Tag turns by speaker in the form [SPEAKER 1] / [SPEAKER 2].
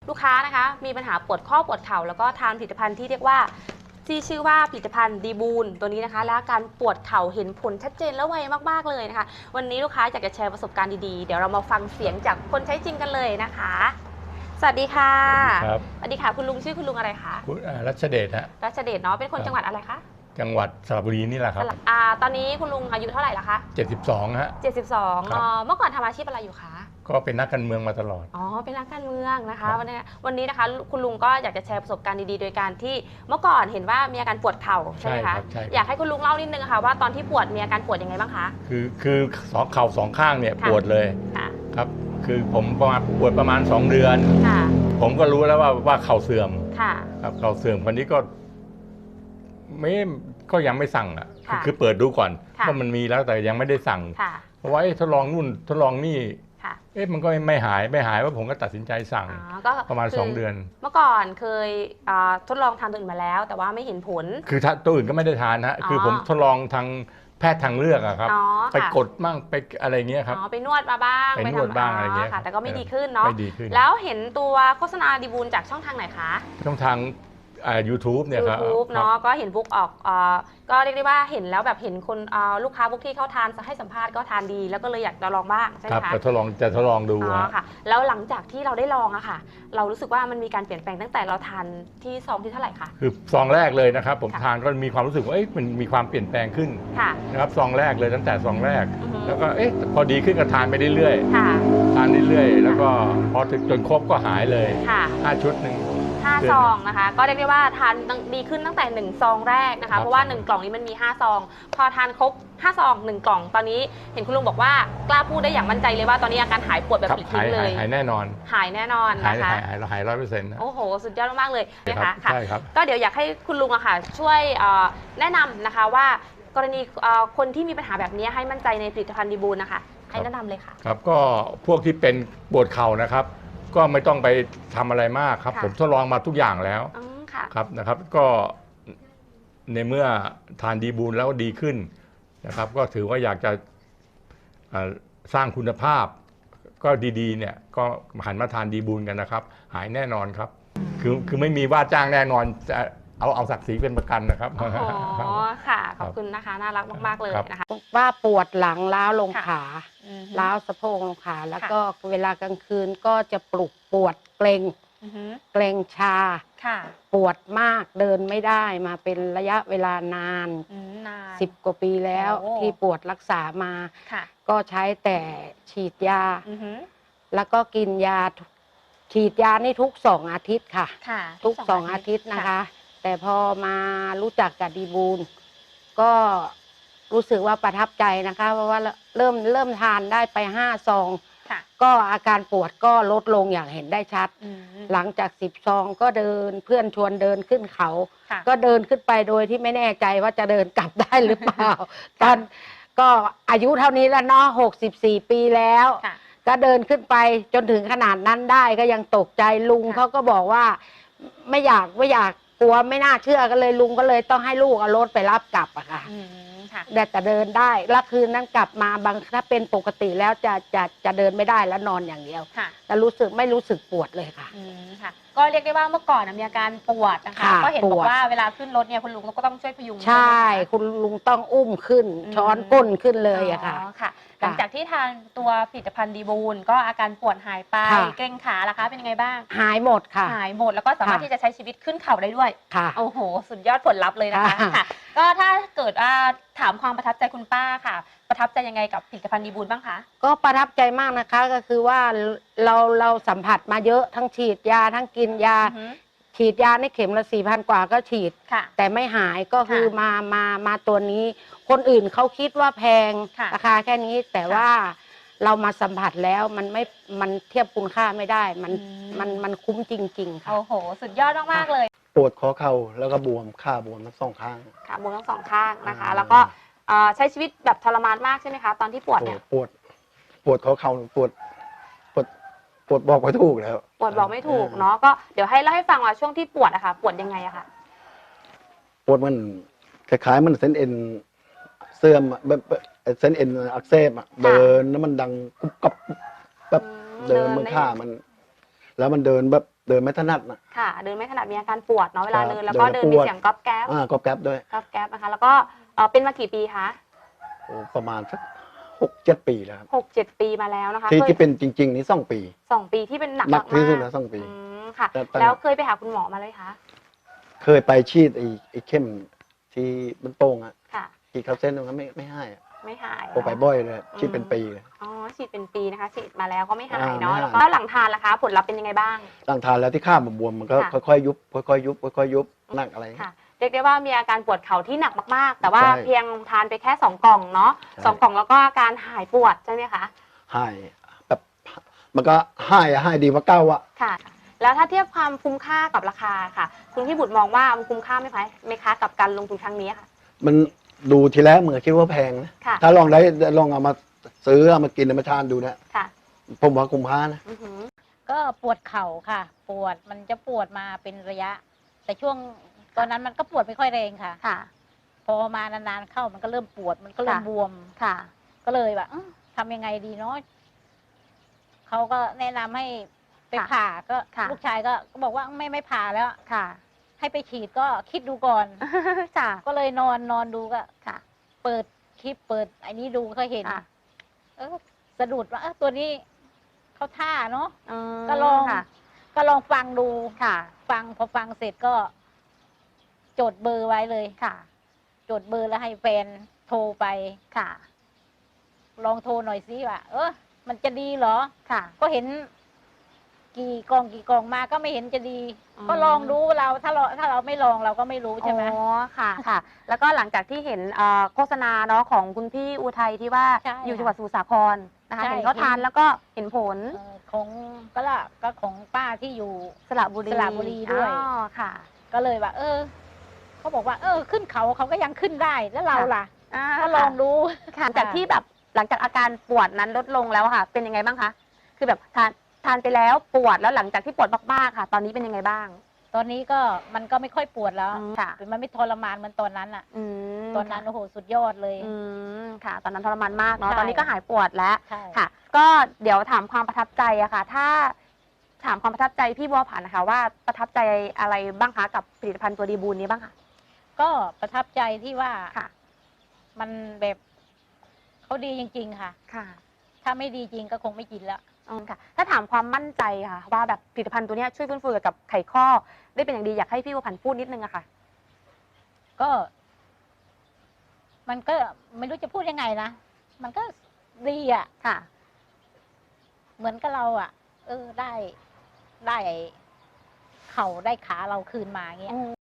[SPEAKER 1] ลูกค้านะคะมีปัญหาปวดข้อปวดเข่าแล้วก็ทานผลิตภัณฑ์ที่เรียกว่าที่ชื่อว่าผลิตภัณฑ์ดีบูนตัวนี้นะคะและการปวดเข่าเห็นผลชัดเจนและไวมากๆเลยนะคะวันนี้ลูกค้าอยากจะแชร์ประสบการณ์ดีๆเดี๋ยวเรามาฟังเสียงจากคนใช้จริงกันเลยนะคะสวัสดีค่ะ
[SPEAKER 2] ครับ
[SPEAKER 1] สวัสดีค่ะคุณลุงชื่อคุณลุงอะไรคะ
[SPEAKER 2] คุณรัชเดชฮะ
[SPEAKER 1] รัชเดชเนาะเป็นคนจังหวัดอะไรคะ
[SPEAKER 2] จังหวัดสระบุรีนี่แหละครับ
[SPEAKER 1] ตอนนี้คุณลุงอายุเท่าไหร่ละคะ
[SPEAKER 2] 72ฮะ
[SPEAKER 1] 72เมื่อก่อนทำอาชีพอะไรอยู่คะ
[SPEAKER 2] ก็เป็นนักการเมืองมาตลอด
[SPEAKER 1] เป็นนักการเมืองนะคะวันนี้นะคะคุณลุงก็อยากจะแชร์ประสบการณ์ดีๆโดยการที่เมื่อก่อนเห็นว่ามีอาการปวดเข่าใช่ไหมคะอยากให้คุณลุงเล่านิดนึงค่ะว่าตอนที่ปวดมีอาการปวดยังไงบ้างคะ
[SPEAKER 2] คือเข่าสองข้างเนี่ยปวดเลยครับคือผมปวดประมาณ2 เดือนผมก็รู้แล้วว่าเข่าเสื่อมครับเข่าเสื่อมคนนี้ก็ยังไม่สั่งอ่ะคือเปิดดูก่อนว่ามันมีแล้วแต่ยังไม่ได้สั่งเพราะว่าทดลองนู่นทดลองนี่มันก็ไม่หายว่าผมก็ตัดสินใจสั่งประมาณ2 เดือน
[SPEAKER 1] เมื่อก่อนเคยทดลองทานตัวอื่นมาแล้วแต่ว่าไม่เห็นผล
[SPEAKER 2] คือตัวอื่นก็ไม่ได้ทานฮะคือผมทดลองทางแพทย์ทางเลือกอะครับไปกดมั่งไปอะไรเงี้ยครับ
[SPEAKER 1] ไปนวดมาบ้าง
[SPEAKER 2] ไปนวดบ้างอะไรเงี้ย
[SPEAKER 1] แต่ก็ไม่ดีขึ้นเนาะแล้วเห็นตัวโฆษณาดีบูลจากช่องทางไหนคะ
[SPEAKER 2] ช่องทางYouTube เนี่ยครับ
[SPEAKER 1] YouTube เนาะก็เห็นบุ๊กออกก็เรียกได้ว่าเห็นแล้วแบบเห็นคนลูกค้าบุ๊กที่เขาทานให้สัมภาษณ์ก็ทานดีแล้วก็เลยอยากจะลองบ้างใช่ไหมคะ
[SPEAKER 2] จะทดลองดู
[SPEAKER 1] ค่ะแล้วหลังจากที่เราได้ลองอะค่ะเรารู้สึกว่ามันมีการเปลี่ยนแปลงตั้งแต่เราทานที่ซองที่เท่าไหร่คะ
[SPEAKER 2] คือซองแรกเลยนะครับผมทานก็มีความรู้สึกว่ามันมีความเปลี่ยนแปลงขึ้นนะครับซองแรกเลยตั้งแต่ซองแรกแล้วก็พอดีขึ้นก็ทานไปเรื่อยๆทานเรื่อยๆแล้วก็พอถึงจนครบก็หายเลย5 ชุดหนึ่ง
[SPEAKER 1] 5 ซองนะคะก็เรียกได้ว่าทานดีขึ้นตั้งแต่1 ซองแรกนะคะเพราะว่า1 กล่องนี้มันมี5 ซองพอทานครบ5 ซอง1 กล่องตอนนี้เห็นคุณลุงบอกว่ากล้าพูดได้อย่างมั่นใจเลยว่าตอนนี้อาการหายปวดแบบปลิดทิ้งเลย
[SPEAKER 2] หายแน่นอน
[SPEAKER 1] นะคะ
[SPEAKER 2] หาย100%
[SPEAKER 1] โอ้โหสุดยอดมากเลยนะคะ
[SPEAKER 2] ใช่ครับ
[SPEAKER 1] ก็เดี๋ยวอยากให้คุณลุงอะค่ะช่วยแนะนำนะคะว่ากรณีคนที่มีปัญหาแบบนี้ให้มั่นใจในผลิตภัณฑ์ดีบูลนะคะให้แนะนำเลยค่ะ
[SPEAKER 2] ครับก็พวกที่เป็นปวดเข่านะครับก็ไม่ต้องไปทำอะไรมากครับผมทดลองมาทุกอย่างแล้วครับนะครับก็ในเมื่อทานดีบูลแล้วดีขึ้นนะครับก็ถือว่าอยากจะสร้างคุณภาพก็ดีๆเนี่ยก็หันมาทานดีบูลกันนะครับหายแน่นอนครับคือไม่มีว่าจ้างแน่นอนจะเอาศักดิ์ศรีเป็นประกันนะครับ
[SPEAKER 1] อ๋อค่ะขอบคุณนะคะน่ารักมากๆเลยนะคะ
[SPEAKER 3] ว่าปวดหลังล้าวลงขาล้าวสะโพกลงขาแล้วก็เวลากลางคืนก็จะปวดเกร็งชาปวดมากเดินไม่ได้มาเป็นระยะเวลานาน10 กว่าปีแล้วที่ปวดรักษามาก็ใช้แต่ฉีดยาแล้วก็กินยาฉีดยานี่ทุก2 อาทิตย์ค่ะทุก2 อาทิตย์นะคะแต่พอมารู้จักกับดีบูลก็รู้สึกว่าประทับใจนะคะเพราะว่าเริ่มทานได้ไป5 ซองก็อาการปวดก็ลดลงอย่างเห็นได้ชัดหลังจาก10 ซองก็เดินเพื่อนชวนเดินขึ้นเขาก็เดินขึ้นไปโดยที่ไม่แน่ใจว่าจะเดินกลับได้หรือเปล่าตอนก็อายุเท่านี้แล้วเนาะ64 ปีแล้วก็เดินขึ้นไปจนถึงขนาดนั้นได้ก็ยังตกใจลุงเขาก็บอกว่าไม่อยากกลัวไม่น่าเชื่อกันเลยลุงก็เลยต้องให้ลูกเอารถไปรับกลับอะค่ะแต่เดินได้แล้วคืนนั้นกลับมาถ้าเป็นปกติแล้วจะเดินไม่ได้แล้วนอนอย่างเดียวแต่ไม่รู้สึกปวดเลยค่ะ
[SPEAKER 1] ก็เรียกได้ว่าเมื่อก่อนมีอาการปวดนะคะก็เห็นบอกว่าเวลาขึ้นรถเนี่ยคุณลุงก็ต้องช่วยพยุง
[SPEAKER 3] ใช่คุณลุงต้องอุ้มขึ้นช้อนก้นขึ้นเลยอะค่ะ
[SPEAKER 1] หลังจากที่ทานตัวผลิตภัณฑ์ดีบูลก็อาการปวดหายไปเกร็งขาล่ะคะเป็นยังไงบ้าง
[SPEAKER 3] หายหมดค่ะ
[SPEAKER 1] หายหมดแล้วก็สามารถที่จะใช้ชีวิตขึ้นเขาได้ด้วย
[SPEAKER 3] ค่ะ
[SPEAKER 1] โอ้โหสุดยอดผลลัพธ์เลยนะคะก็ถ้าเกิดถามความประทับใจคุณป้าค่ะประทับใจยังไงกับผลิตภัณฑ์ดีบูลบ้างคะ
[SPEAKER 3] ก็ประทับใจมากนะคะก็คือว่าเราสัมผัสมาเยอะทั้งฉีดยาทั้งกินยาฉีดยาในเข็มละ4,000 กว่าก็ฉีดแต่ไม่หายก็คือมาตัวนี้คนอื่นเขาคิดว่าแพงราคาแค่นี้แต่ว่าเรามาสัมผัสแล้วมันเทียบคุณค่าไม่ได้มันคุ้มจริงๆค่ะ
[SPEAKER 1] โอ้โหสุดยอดมากๆเลย
[SPEAKER 4] ปวดข้อเข่าแล้วก็บวมขาบวมทั้ง2 ข้าง
[SPEAKER 1] ขาบวมทั้ง2 ข้างนะคะแล้วก็ใช้ชีวิตแบบทรมานมากใช่ไหมคะตอนที่ปวดเนี่ย
[SPEAKER 4] ปวดข้อเข่าปวดบอกไม่ถูกแล้ว
[SPEAKER 1] ปวดบอกไม่ถูกเนาะก็เดี๋ยวให้เล่าให้ฟังว่าช่วงที่ปวดอะค่ะปวดยังไงอะค่ะ
[SPEAKER 4] ปวดมันคล้ายๆมันเส้นเอ็นเสื่อมแบบเส้นเอ็นอักเสบเดินแล้วมันดังกุ๊บกับแบบเดินมือข้ามันแล้วมันเดินแบบเดินไม่ถนัดนะ
[SPEAKER 1] ค่ะ เดินไม่ถนัดมีอาการปวดเนาะเวลา
[SPEAKER 4] ครับ
[SPEAKER 1] เดินแล้วก็
[SPEAKER 4] เดิ
[SPEAKER 1] เดิ
[SPEAKER 4] น
[SPEAKER 1] น
[SPEAKER 4] แล้วปวด
[SPEAKER 1] มีเสียงก๊อบแก๊บ
[SPEAKER 4] ก็แก๊บด้วย
[SPEAKER 1] ก๊อบแก๊บนะคะ แล้วก็เป็นมากี่ปีคะ
[SPEAKER 4] โอ้ประมาณสัก6-7 ปีแล้วครับ
[SPEAKER 1] 6-7 ปีมาแล้วนะคะ
[SPEAKER 4] ที่
[SPEAKER 1] เคย
[SPEAKER 4] ที่เป็นจริง ๆ นี่2 ปี
[SPEAKER 1] 2 ปีที่เป็นหนัก
[SPEAKER 4] หนักที่สุด
[SPEAKER 1] มา
[SPEAKER 4] แล้ว2 ปี
[SPEAKER 1] ค่ะ
[SPEAKER 4] แต่
[SPEAKER 1] แล้วเคยไปหาคุณหมอมาเลยคะ
[SPEAKER 4] เคยไปฉีดไอ้เข้มที่มันโป่งอะ
[SPEAKER 1] ค่ะ
[SPEAKER 4] ฉีดเข้าเส้นตรงนั้นไม่ให้อะ
[SPEAKER 1] ไม่หาย
[SPEAKER 4] โอ้ไปบ่อยเลยฉีดเป็นปีเลย
[SPEAKER 1] อ๋อฉีดเป็นปีนะคะฉีดมาแล้วก็ไม่หาย
[SPEAKER 4] ไม่
[SPEAKER 1] เนาะ
[SPEAKER 4] หาย
[SPEAKER 1] แล้วก็หลังทานล่ะคะ ผลลัพธ์เป็นยังไงบ้าง
[SPEAKER 4] หลังทานแล้วที่ข้ามบวมมันก็
[SPEAKER 1] ค่ะ
[SPEAKER 4] ค่อยๆยุบค่อยๆยุบค่อยๆยุบหนักอะไร
[SPEAKER 1] ค่ะเรียกได้ว่ามีอาการปวดเข่าที่หนักมากๆ แต่ว่า
[SPEAKER 4] ใช่
[SPEAKER 1] เพียงทานไปแค่2 กล่องเนาะ
[SPEAKER 4] ใช่
[SPEAKER 1] 2 กล่องแล้วก็อาการหายปวดใช่ไหมคะ
[SPEAKER 4] หายแบบมันก็หายดีกว่าเก้าอะ
[SPEAKER 1] ค่ะ แล้วถ้าเทียบความคุ้มค่ากับราคาค่ะ คุณพี่บุตรมองว่ามันคุ้มค่าไหมคะกับการลงทุนครั้งนี้ค่ะ
[SPEAKER 4] มันดูทีแรกเหมือนคิดว่าแพงนะ
[SPEAKER 1] ค่ะ
[SPEAKER 4] ถ้าลองเอามาซื้อเอามากินเอามาทานดูนะ
[SPEAKER 1] ค่ะ
[SPEAKER 4] ผมว่าคุ้มค่านะ
[SPEAKER 1] อือหือ
[SPEAKER 5] ก็ปวดเข่าค่ะ ปวดมันจะปวดมาเป็นระยะ แต่ช่วงตอนนั้นมันก็ปวดไม่ค่อยแรงค่ะ
[SPEAKER 1] ค่ะ
[SPEAKER 5] พอมานานๆเข้ามันก็เริ่มปวดมันก็เริ่ม
[SPEAKER 1] ค่ะ
[SPEAKER 5] บวม
[SPEAKER 1] ค่ะ
[SPEAKER 5] ก็เลยแบบทำยังไงดีเนาะเขาก็แนะนำให้ไป
[SPEAKER 1] ค่ะ
[SPEAKER 5] ผ่าก็
[SPEAKER 1] ค่ะ
[SPEAKER 5] ลูกชายก็บอกว่าไม่ผ่าแล้ว
[SPEAKER 1] ค่ะ
[SPEAKER 5] ให้ไปฉีดก็คิดดูก่อน
[SPEAKER 1] ค่ะ
[SPEAKER 5] ก็เลยนอนดูก็
[SPEAKER 1] ค่ะ
[SPEAKER 5] เปิดคลิปเปิดไอ้นี้ดูก็เห็น
[SPEAKER 1] ค่ะ
[SPEAKER 5] สะดุดว่าตัวนี้เขาท่าเนาะ
[SPEAKER 1] อืม
[SPEAKER 5] ก็ลอง
[SPEAKER 1] ค่ะ
[SPEAKER 5] ก็ลองฟังดู
[SPEAKER 1] ค่ะ
[SPEAKER 5] พอฟังเสร็จก็จดเบอร์ไว้เลย
[SPEAKER 1] ค่ะ
[SPEAKER 5] จดเบอร์แล้วให้แฟนโทรไป
[SPEAKER 1] ค่ะ
[SPEAKER 5] ลองโทรหน่อยสิว่ามันจะดีเหรอ
[SPEAKER 1] ค่ะ
[SPEAKER 5] ก็เห็นกี่กล่องมาก็ไม่เห็นจะดี
[SPEAKER 1] อืม
[SPEAKER 5] ก็ลองดูถ้าเราไม่ลองเราก็ไม่รู้ใช่ไหม
[SPEAKER 1] อ๋อค่ะค่ะ แล้วก็หลังจากที่เห็นโฆษณาเนาะของคุณพี่อุทัยที่ว่า
[SPEAKER 5] ใช่
[SPEAKER 1] อยู่จังหวัดสมุทรสาครนะคะ
[SPEAKER 5] ใช่
[SPEAKER 1] เห็นเขาทานแล้วก็เห็นผล
[SPEAKER 5] ของก็ของป้าที่อยู่
[SPEAKER 1] สระบุรี
[SPEAKER 5] สระบุรีด้วย
[SPEAKER 1] อ๋อค่ะ
[SPEAKER 5] ก็เลยว่าเขาบอกว่าขึ้นเขาก็ยังขึ้นได้แล้วเราล่ะ ก็ลองดู
[SPEAKER 1] ค่ะจากที่แบบหลังจากอาการปวดนั้นลดลงแล้วค่ะ เป็นยังไงบ้างคะ คือแบบทานไปแล้วปวดแล้วหลังจากที่ปวดมากๆค่ะ ตอนนี้เป็นยังไงบ้าง
[SPEAKER 5] ตอนนี้ก็มันก็ไม่ค่อยปวดแล้ว
[SPEAKER 1] ค่ะ
[SPEAKER 5] มันไม่ทรมานเหมือนตอนนั้นอ่ะ
[SPEAKER 1] อืม
[SPEAKER 5] ตอนนั้นโอ้โหสุดยอดเลย
[SPEAKER 1] อืมค่ะ ตอนนั้นทรมานมากเนาะ
[SPEAKER 5] ใช่
[SPEAKER 1] ตอนนี้ก็หายปวดแล้ว
[SPEAKER 5] ใช่
[SPEAKER 1] ค่ะ ก็เดี๋ยวถามความประทับใจอะค่ะ ถ้าถามความประทับใจพี่บัวผันนะคะว่าประทับใจอะไรบ้างคะกับผลิตภัณฑ์ตัวดีบูนนี้บ้างคะ
[SPEAKER 5] ก็ประทับใจที่ว่า
[SPEAKER 1] ค่ะ
[SPEAKER 5] มันแบบเขาดีจริง ๆ ค่ะ
[SPEAKER 1] ค่ะ
[SPEAKER 5] ถ้าไม่ดีจริงก็คงไม่กินแล้ว
[SPEAKER 1] ค่ะ ถ้าถามความมั่นใจค่ะ ว่าแบบผลิตภัณฑ์ตัวเนี้ยช่วยฟื้นฟูเกี่ยวกับไขข้อได้เป็นอย่างดีอยากให้พี่บัวผันพูดนิดนึงอะค่ะ
[SPEAKER 5] ก็ มันก็ไม่รู้จะพูดยังไงนะมันก็ดีอ่ะ
[SPEAKER 1] ค่ะ
[SPEAKER 5] เหมือนกับเราอ่ะ ได้เข่าได้ขาเราคืนมาเงี้ย